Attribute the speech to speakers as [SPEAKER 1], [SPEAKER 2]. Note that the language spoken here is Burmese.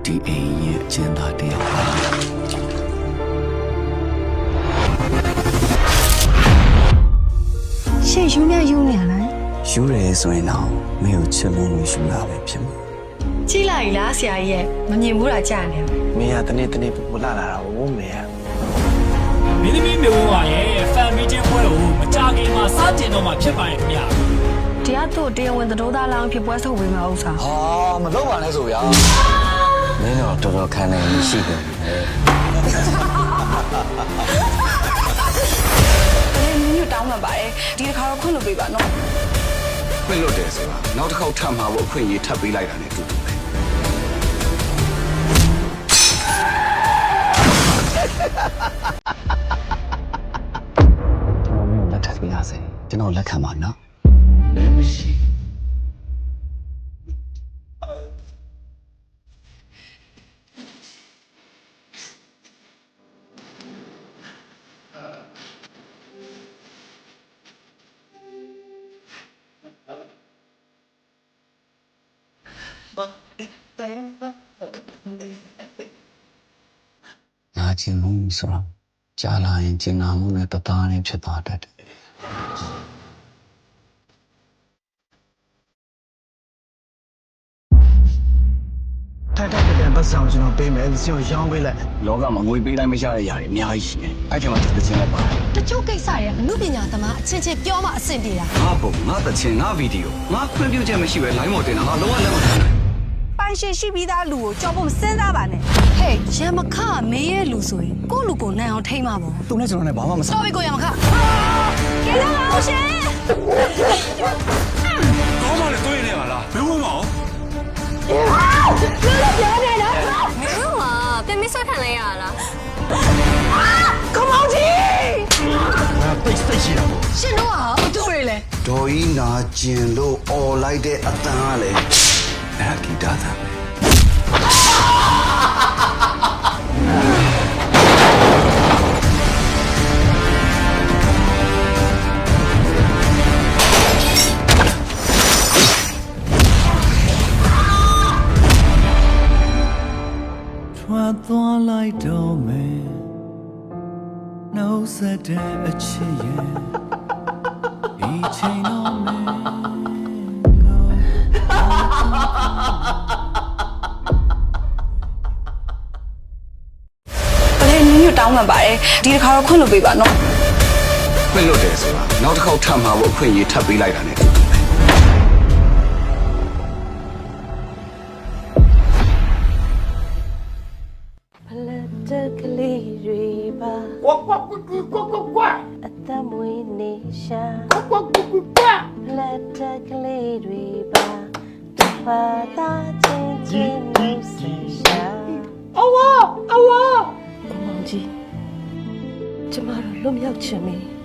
[SPEAKER 1] ဒီအိမ်ရဲ့အကျဉ်းသားတယောက်ပါ
[SPEAKER 2] ရှေ့ယူနေရလား
[SPEAKER 1] ယူရဲဆိုရင်တော့မင်းကိုချစ်လို့ယူရပဲဖြစ်မှာ
[SPEAKER 2] ကြည့်လိုက်လားဆရာကြီးရဲ့မမြင်ဘူးလားကြားနေ
[SPEAKER 3] မင်းကတနေ့ပူလာတာဟိုမင်းက
[SPEAKER 4] မင်းသမီးမျိုးဝါရဲ့ဖန်မီချင်းပွဲကိုမကြခင်မှာစတင်တော့မှဖြစ်ပါရဲ့ခင်ဗျာ
[SPEAKER 2] တရားတို့တရားဝင်သတို့သားလောင်းဖြစ်ပွဲထုတ်ပေးမှာဥစ္စာ
[SPEAKER 3] ဟာမလုပ်ပါနဲ့ဆိုဗျာ
[SPEAKER 1] မင်းတော့တော်တော်ခံနိုင်ရှိတယ်
[SPEAKER 2] ညတောင်းမှာပါတယ်ဒီတစ်ခါတော့ခွင့်လို့ပေးပါနော်
[SPEAKER 3] ခွင့်လို့တယ်ဆိုတာနောက်တစ်ခေါက်ထပ်မှာဖို့အခွင့်အရေးထပ်ပေးလိုက်တာနဲ့တူတူပဲ
[SPEAKER 1] လက်ထပ်ပြရစေကျွန်တော်လက်ခံပါနော်
[SPEAKER 3] မရှိ
[SPEAKER 1] ငါချင်းမှုဆိုတော့ကြာလာရင်ကျင်နာမှုနဲ့တသားနဲ့ဖြစ်သွားတတ်တယ်
[SPEAKER 3] ထိုက်တဲ့ပတ်စံကိုကျွန်တော်ပေးမယ်စီကိုရောင်းပေးလိုက်လောကမှာငွေပေးလိုက်မရတဲ့ຢာတွေအများကြီးရှိတယ်အဲ့ချိန်မှာတစ်ချင်းလိုက်ပါ
[SPEAKER 2] တချို့ကိစ္စတွေကအမှုပညာသမားအချင်းချင်းပြောမှအဆင်ပြေတာ
[SPEAKER 3] ငါပုံငါတချင်းငါဗီဒီယိုငါခွင့်ပြုချက်မရှိပဲ line ပေါ်တင်တာငါလုံးဝလက်မခံနိုင်
[SPEAKER 2] ပိုင်ရှင်ရှိပြီးသားလူကိုကြောက်ဖို့မစဉ်းစားပါနဲ့ဟဲ့ရမခမင်းရဲ့လူဆိုရင်ကိုယ့်လူကိုနိုင်အောင်ထိမ့်မှာပေါ့
[SPEAKER 3] သူနဲ့ကျွန်တော်နဲ့ဘာမှမဆိုင်
[SPEAKER 2] တော်ပြီကိုရမခကဲလာအောင်ရှင်
[SPEAKER 3] ကောင်းပါလေတွေ့နေပါလားမင်းဝင်ပါဦး
[SPEAKER 2] ပြောနေတော့
[SPEAKER 5] မင်းတို့ကပြင်မဆွတ်ခံလိုက်ရလား
[SPEAKER 2] ကမောင်ကြီး
[SPEAKER 3] ငါတိတ်ရှိတာပေါ့
[SPEAKER 2] ရှင်တို့ကအတူတွေလဲ
[SPEAKER 3] ဒေါ်ကြီးနာကျင်လို့អော်လိုက်တဲ့အတန်ကလေအဲ့ဂီတသာ
[SPEAKER 1] ထွက်သွားလိုက်တော့မယ်နှုတ်ဆက်တဲ့အချစ်ရဲ့ဒီချိန်တော့မယ်
[SPEAKER 2] ညတောင်းမှာပါတယ်ဒီတစ်ခါတော့ခွင့်လို့ပေးပါနော်
[SPEAKER 3] ခွင့်လို့တယ်ဆိုတာနောက်တစ်ခေါက်ထပ်မှာဖို့အခွင့်အရေးထပ်ပေးလိုက်တာနဲ့တူတူပဲ
[SPEAKER 6] ဖလက်တကလေးတွေပါ
[SPEAKER 4] ကွာ
[SPEAKER 6] အသက်မွေးနေရှာ
[SPEAKER 4] ကွာ
[SPEAKER 6] ဖလက်တကလေးတွေပါတပါတာချင်းလို့ဆက်ရှာ
[SPEAKER 4] အဝါ
[SPEAKER 6] မောင်ကြီးကျမတို့လွတ်မြောက်ချင်ပြီ